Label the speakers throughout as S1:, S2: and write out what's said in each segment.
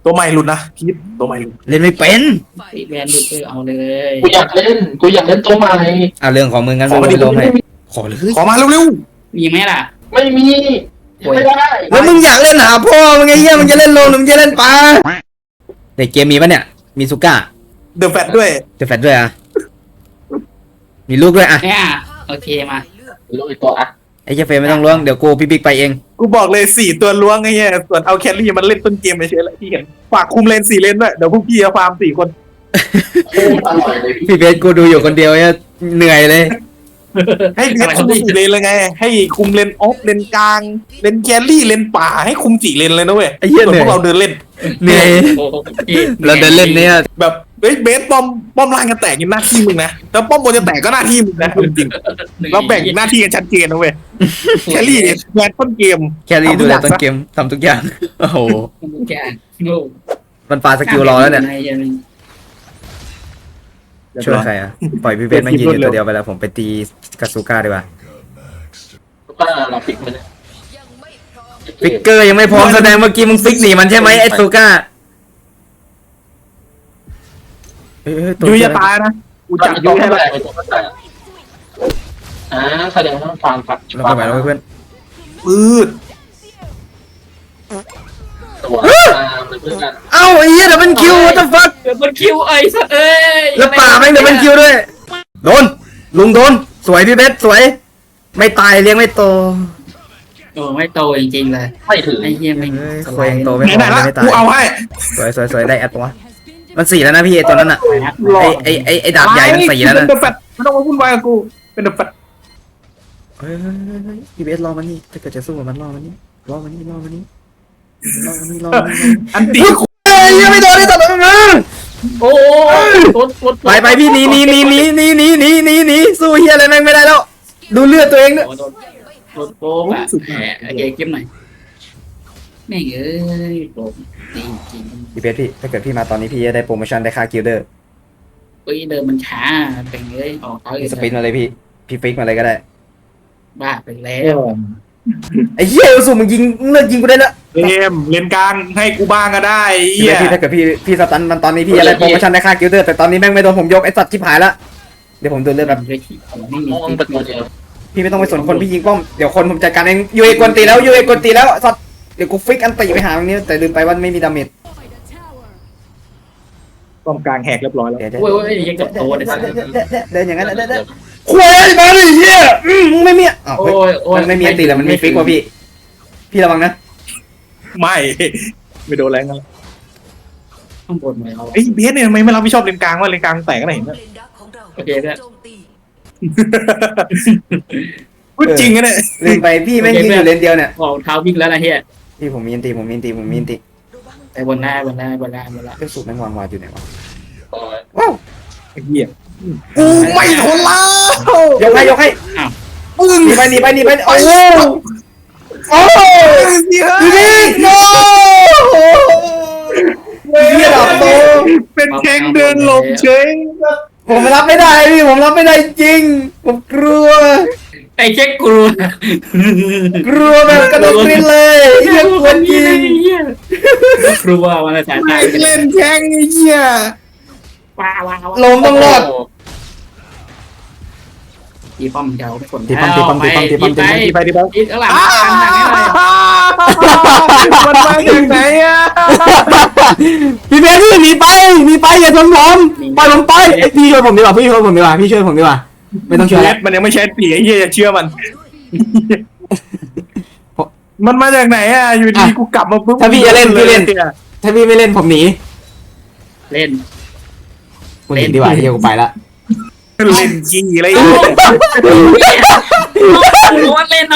S1: ตัวใหม่หลุดนะพีทตัวใหม่หลุด
S2: เล่นไม่เป็น
S3: แบนหลุดเอาเลย
S4: กูอยากเล่นตัวใหม่
S2: เรื่องของมึงงั้นมึงไม่ลงให้ขอเลย
S1: ขอมาเร็ว
S3: มีไหมล่ะ
S4: ไม่มีไม่ได้
S2: แล้วมึงอยากเล่นหาพ่อมึงไงเหี้ยมึงจะเล่นโลหรือมึงจะเล่นปลาในเกมมีปะเนี่ยมีซูก้า
S1: ๆเดอะแฟตด้วย
S2: จะแฟดด้วยอ่ะมีลูกด้วยอ่ะ
S3: เนี่ยโอเคมา
S4: รู้อีกตัวอ่ะ
S2: ไอ้เจฟเฟย์ไม่ต้องล้วงเดี๋ยวกูพี่บิ๊กไปเอง
S1: กูบอกเลย4 ตัวล้วงไอ้เหี้ยส่วนเอาแครี่มันเล่นต้นเกมไปเฉยๆเลยที่เห็นฝากคุมเลน4 เลนด้วยเดี๋ยวพวกพี่จะฟาร์ม4 คน
S4: โคตรอร่อยเลยพี่
S2: พี่เบสกูดูอยู่คนเดียวเนี่ยเหนื่อยเลย
S1: ให้เพชรคุม4 เลนเลยไงให้คุมเลนออฟเลนกลางเลนแครี่เลนป่าให้คุม4 เลนเลยนะเว้ย
S2: ไอ้เหี้ย
S1: ส่วน
S2: เหนื่
S1: พ
S2: อ
S1: วย กเราเดินเล่น
S2: เหนื่อยเราเดินเล่นเนี่ย
S1: แบบเฮ้ยเบสป้อมล่างกันแตกนี่หน้าที่มึงนะแต่ป้อมบนจะแตกก็หน้าที่มึงนะจริงๆเราแบ่งหน้าที่กันชัดเจนนะเว้ยแครี่แบนต้นเกม
S2: แครี่ดูแลต้นเกมทำทุกอย่างโอ้โห
S3: แกโง่
S2: มันปาสกิลรอแล้วเนี่ยช่วยใครอ่ะปล่อยพี่เบสมายืนอยู่ตัวเดียวไปแล้วผมไปตีกาซูก้าดีกว่า
S4: ก็เราฟิกมัน
S2: ฟิกเกอร์ยังไม่พร้อมแสดงเมื่อกี้มึงฟิกหนีมันใช่ไหมไอ้ซูก้า
S1: ยุ้ยจะตายนะกูจับยุ้ยให้
S4: แล้
S1: แล้ว ว
S4: ตัวมันแตกแสดงว่าฟาร์มฝัก
S2: เราไปไหนแล้วเพื่อน
S1: ปืด
S4: ตัวเพื่อนกัน
S2: เอ้าไอ้เหี้ยเดี๋ยวมันคิว what the fuck
S3: เดี๋ยวมันคิวไอ้สัตว์เอ้ย
S2: แล้วป่าแม่งเดี๋ยวมันคิวด้วยโดนลุงโดนสวยพี่เบสสวยไม่ตายเลี้ยงไม่โต
S3: โอ้ไม่โตจริงๆเลย
S4: ไม่ถือ
S3: ไอ้เหี้ยไม่
S2: ควยโตไม่
S1: ไหน
S2: พอ
S1: ๆละ
S2: ไม่ตาย
S1: กูเอาให้
S2: สวยได้แอดปะวะมัน4แล้วนะพี่ไอ้ตัวนั้นอ่ะไอ้ดาบใหญ่มัน4แล้ว
S1: เป็
S2: นะ
S1: นเดอะแฟตไม่ต้องมาวุ่นวายกับกูเป็นเดอะแฟต
S2: เฮ้ยพี่เบสรอมันนี่ถ้าเกิดจะสู้กับมันรอมันนี่รอมันนี่
S1: อันตี
S2: เฮ้ยยังไม่โดนที่ตลอดนะ
S3: โอ้
S2: ไปพี่หนีสู้เฮียอะไรแม่งไม่ได้แล้วดูเลือดตัวเองด้วย
S3: โดนโป๊กอ่ะแหมโอเคเก็บหน่อยแม่งเอ้ยโป๊กจริง
S2: พี่เบสพี่ถ้าเกิดพี่มาตอนนี้พี่จะได้โปรโมชั่นได้ค่ากิลเดอร์
S3: ๆเอ้ยเดินมันช้าเป็นเอ้ยออกเขา
S2: สปินมาเลยพี่ฟิกมาเลยก็ได้
S3: บ้าไปแล้ว
S2: ไอ้เหี้ยสู้มึงยิงเลิกยิงกูได้ละ
S1: เกมเลนกลางให้กูบ้างก็ได้
S2: พี่
S1: เหี้ย
S2: ถ้าเกิดพี่สตันมันตอนนี้พี่จะได้โปรโมชั่นได้ค่ากิลเดอร์แต่ตอนนี้แม่งไม่โดนผมยกไอ้สัตว์ที่ผายละเดี๋ยวผมโดนเลือดแบบ
S3: ไม่มี
S4: มองเป็นตัวเดียว
S2: พี่ไม่ต้องไปสนคนพี่ยิงป้อมเดี๋ยวคนผมจัดการเองยูเอกวนตีแล้วสัตว์เดี๋ยวกูฟิกอันตีไปหาตรงนี้แต่ลืมไปว่าไม่มีดาเมจ
S1: ป้อมกลางแหกเรียบร้อยแล้ว
S2: เดี๋ยว
S3: โอ้ยยังกับโตเลย
S2: เดินอย่างนั้นคุยมาดิเหี้ยมึงไม่มีอ้าว
S3: โอ้ยโอ้ย
S2: มันไม่มีอันตีแล้วมันมีฟิกว่ะพี่ระวังนะ
S1: ไม่โดนแรงกัน
S3: ข้างบนเลยเอา
S1: ไอ้เบสเนี่ยทำไมไม่รับผิดชอบเลนกลางวะเลนกลางแตกกันไหนเนี่ย
S3: โอเคเนี่ย
S1: พูดจริงนะเนี่ย
S2: ลืมไปพี่แม่งยืนอยู่เลนเดียวเนี่ย
S3: ออกเท้าวิ่งแล้วนะเฮีย
S2: พี่ผมมีอันตี
S3: ไปบนหน้าเ
S2: ก็สูบแม่งวางวาดอยู่ไหนวะ
S1: ว้าวไอ้เหี้ยกูไม่ทนแล้ว
S2: ยกให้
S1: มึง
S2: หนีไปโอ้โหดูดิโน้เหี้ยดับโต
S1: เป็นแข้งเดินหลบเฉย
S2: ผมรับไม่ได้พี่ผมรับไม่ได้จริงผมกลัว
S3: ไอ้เช็คกลัว
S2: แบบกระโดดกรี๊ดเลยเหี้ยกวนจริง
S3: กลัวมันจะตาย
S1: ไม่เล่นแข้งไอ้เหี้ย
S3: ว้าว
S2: ลมต้องรอด
S3: ตีป้อมเจ้าไปกด
S1: ไปดิบ้าง
S3: อีกข้างหลัง
S1: มันมาถึงไหนอ่ะ
S2: พี่เบสพี่หนีไปอย่าชนผมปล่อยผมไปพี่ช่วยผมดีกว่าพี่ช่วยผมดีกว่าไม่ต้องช่วย
S1: เล็ดมันยังไม่ใช่ปีไอ้เหี้ยอย่าเชื่อมัน มันมาจากไหนอ่ะอยู่ดีกูกลับมาปุ๊บ
S2: ถ้าพี่จะเล่นพี่เล่นถ้าพี่ไม่เล่นผมหนี
S3: เล่น
S2: กูหนีดีกว่าที่กูไปละ
S1: เล่นจริงอะไร
S3: รู้ว่าเล่นเอา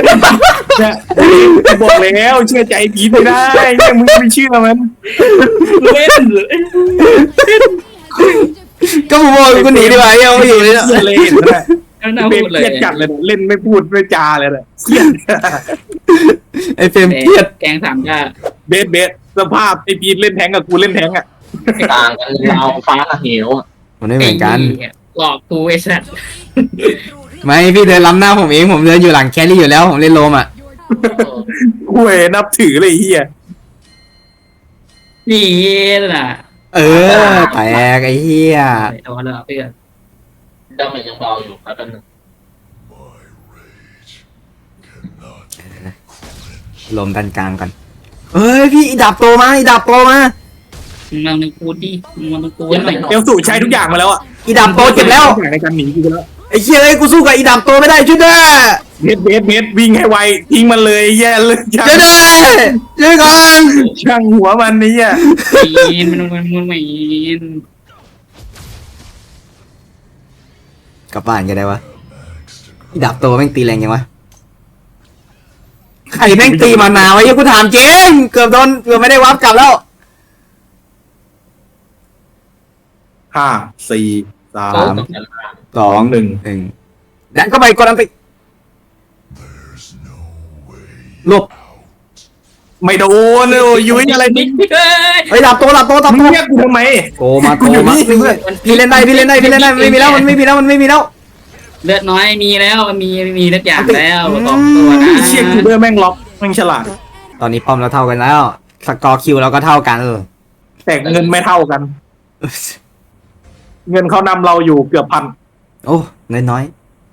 S1: บอกแล้วเชื่อใจพีไม่ได้เนี่ยมึงไม่เชื่อมัน
S3: เล่น
S2: ก็ผมบอกกูหนีดีกว่ายังไม่อยู่เลยนะ
S1: เลยเห็นไหม
S3: น่า
S1: เป็น
S3: พูดเลย
S1: เครียดจัดเลยเล่นไม่พูดไม่จาเลยเครียด
S2: ไอเฟรมเครียด
S3: แกงสามชา
S1: เบสสภาพไอพีเล่นแทงกับกูเล่นแทงอ่ะ
S4: ต่างกันเราฟ้ากับเหว
S2: มันไม่เหมือนกัน
S3: หลอกกูไอ้สัตว์
S2: ไม่พี่เดินล้ำหน้าผมเองผมเดินอยู่หลังแครี่อยู่แล้วผมเล่นโลมอ่ะ
S1: กูนับถือเลยเฮีย
S3: นี่น่ะ
S2: เออแตกไอ้เหี้ย
S3: เอาละเพื่อน
S4: ดาเมจยังเบาอยู่ครับกันหนึ่ง
S2: ลมดันกลางกันเฮ้ยพี่อีดับโตมาอีดับโตมา
S3: มันเป็นกูดิมันเป็นกูหน่อย
S1: เอลสูใช้ทุกอย่างมาแล้วอะ
S2: อีดับโตเจ็บแล้ว
S1: ทุกอย่างในการหนีกูไปแล้ว
S2: ไอ้เหี้ยเอ้ยกูสู้กับอีดับโตไม่ได้ช่วยด้วย
S1: เบสวิ่งให้ไวทิ้งมันเลยแย่เลยช่า
S2: ช่วยด้วยช่วยก่อน
S1: ช่างหัวมันนี่อ่ะ
S3: มีนมันไม่
S2: กลับบ้านกันได้วะอีดับโตแม่งตีแรงยังวะใครแม่งตีมานาวะยังกูถามจริงเกือบไม่ได้วับกลับแล้ว
S1: 5 4
S4: โอ้
S1: 3
S4: ตั้งแต่ล่าง
S2: 2 1ดันเข้าไปกดอันติหลบ
S1: ไม่โดนเลยยุ้ยอะไร
S3: บิ๊
S1: นี่
S3: กเอ้ย
S2: เฮ้ยดับโตดับโต
S1: มึงเรียกกูทำไม
S2: โตมาพี่เล่นได้มันไม่มีแล้วมันไม่มีแล้ว
S3: เลือดน้อยมีแล้วมีทุกอย่างแล้วสองตัวนะ
S1: เชี่ยกูเดอร์แม่งล็อกแม่งฉลาด
S2: ตอนนี้ป้อมเราเท่ากันแล้วสกอร์คิวเราก็เท่ากัน
S1: แต่เงินไม่เท่ากัน เงินเขานำเราอยู่เกือบพัน
S2: โอ้เงินน้อย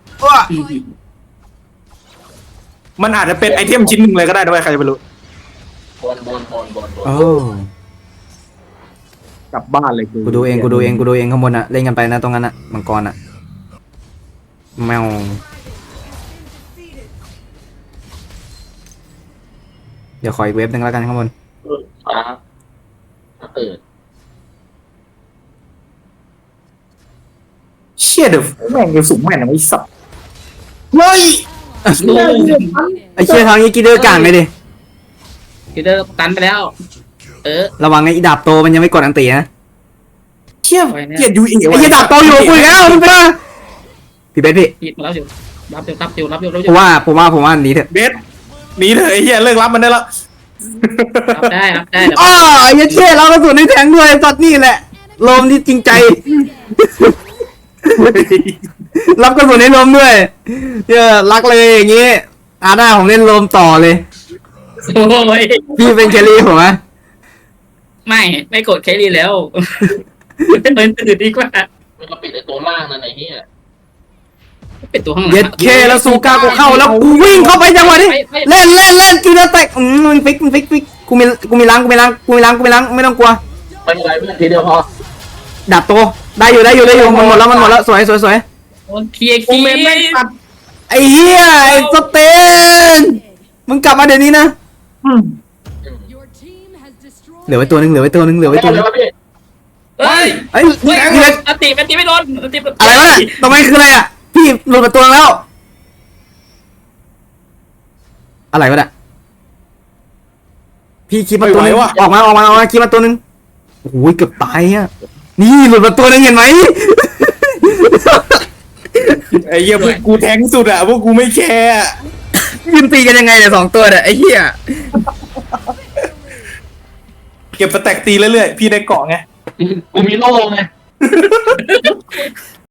S1: มันอาจจะเป็นไอเทมชิ้นหนึ่งเลยก็ได้ด้วยใครจะไปรู้
S4: บน
S2: โอ้
S1: กลับบ้านเลย
S2: กูดูเองข้างบนอะเล่นกันไปนะตรงนั้นอะมังกรอะแมวเดี๋ยวขออีกเว็บหนึ่งแล้วกันข้างบน
S4: ฟ้าถ้าเปิด
S1: เชี่ยเดี๋ยวแม่งเอลสูงแม่งไอ้สับเฮ้ย
S3: ดู
S2: ไอ้เชี่ยทางนี้กีเดอร์กลางเลยดิ
S3: คือเดินตันไปแล้ว
S2: ระวังไอ้อีดาบโตมันยังไม่กดอันตีนะ
S1: เชี่ยเกลียดยูเอ
S2: ไอ้เชี่ยดาบโตอยู่คุยแล้วมึงไปนะพี่เบสพี่
S3: ปิดมาแล้วอยู่รับอยู่
S2: ผมว่าหนีเถอะ
S1: เบสหนีเถอะไอ้เหี้ยเลิกรับมันได้แล้ว
S3: รับได้เดี๋ยว
S2: อ้อไอ้เชี่ยเรากระสุนในแทงด้วยสัตว์นี่แหละลมที่จริงใจ รับกระสุนในลมด้วยรักเลยอย่างงี้อาหน้าผมเล่นลมต่อเลย
S3: โอ้ย
S2: พี่เป็นแครี่ผมอะ
S3: ไม่กดแครี่แล้วเป็นตื่นดีกว่า
S4: มันก็ปิดในตัวล่างนั่นไอ้เหี้ย
S3: เป็นตัวข้างหลัง
S2: เย็ดเคแล้วซูก้ากูเข้าแล้วกูวิ่งเข้าไปจังหวะนี้เล่นกีฬาแตกมันฟิกกูมีล้างไม่ต้องกลัว
S4: ไม่เป็นไรเพื่อนทีเดียวพอ
S2: ดับโตได้อยู่มันหมดแล้วสวย
S3: โดนเคลียร์
S1: โอเมนแม่งตัด
S2: ไอ้เหี้ยไอ้สเตนมึงกลับมาเดี๋ยวนี้นะ
S5: Your team has destroyed
S2: เหลือไว้ตัวนึง
S4: ไม่เป็นไรวะพี่
S3: เฮ้ย
S2: เฮ้ยพี่เล็ก
S3: อติไม่โดนอติ
S2: อะไรวะเนี่ยตรงนี้คืออะไรอ่ะพี่หลุดมาตัวนึงแล้วอะไรวะเนี่ยพี่คิดมาตัวนึงออกมาคิดมาตัวนึงโอ้ยเกือบตายอ่ะนี่หลุดมาตัวนึงเห็นไหม
S1: ไอ้เหี้ยพวกกูแทงสุดอะพวกกูไม่แคร์อะ
S2: ยืนตีกันยังไงเนี่ย2ตัวเนี่ยไอ้เหี้ย
S1: เก็บสแต็กตีเรื่อยๆพี่ได้เกาะไง
S4: กูมีโล่ไง